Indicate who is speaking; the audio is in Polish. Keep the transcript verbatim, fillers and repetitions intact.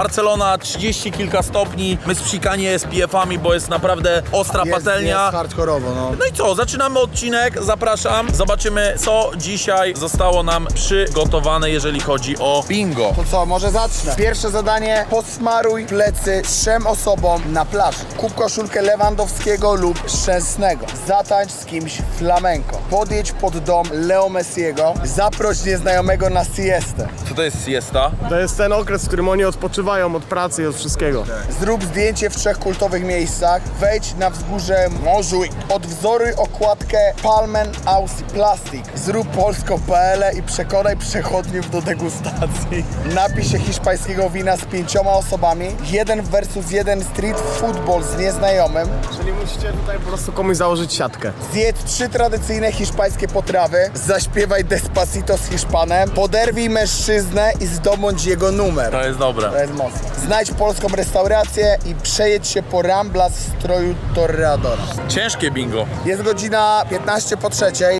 Speaker 1: Barcelona trzydzieści kilka stopni, my spsikani S P F-ami, bo jest naprawdę ostra
Speaker 2: Jest,
Speaker 1: patelnia.
Speaker 2: jest hardkorowo, no.
Speaker 1: No i co, zaczynamy odcinek, zapraszam. Zobaczymy, co dzisiaj zostało nam przygotowane, jeżeli chodzi o bingo.
Speaker 2: To co, może zacznę. Pierwsze zadanie, posmaruj plecy trzem osobom na plaży. Kup koszulkę Lewandowskiego lub Szczęsnego. Zatańcz z kimś flamenco. Podjedź pod dom Leo Messiego. Zaproś nieznajomego na siestę.
Speaker 1: Co to jest siesta?
Speaker 3: To jest ten okres, w którym oni odpoczywają od pracy i od wszystkiego.
Speaker 2: Zrób zdjęcie w trzech kultowych miejscach. Wejdź na wzgórze Montjuic. Odwzoruj okładkę Palmen Aus Plastic. Zrób polsko kropka p l i przekonaj przechodniów do degustacji. Napij się hiszpańskiego wina z pięcioma osobami. Jeden versus jeden street football z nieznajomym.
Speaker 3: Czyli musicie tutaj po prostu komuś założyć siatkę.
Speaker 2: Zjedz trzy tradycyjne hiszpańskie potrawy. Zaśpiewaj Despacito z Hiszpanem. Poderwij mężczyznę i zdobądź jego numer.
Speaker 1: To jest dobre.
Speaker 2: To jest mocne. Znajdź polską restaurację i przejedź się po Rambla w stroju toreadora.
Speaker 1: Ciężkie bingo.
Speaker 2: Jest godzina piętnaście po trzeciej.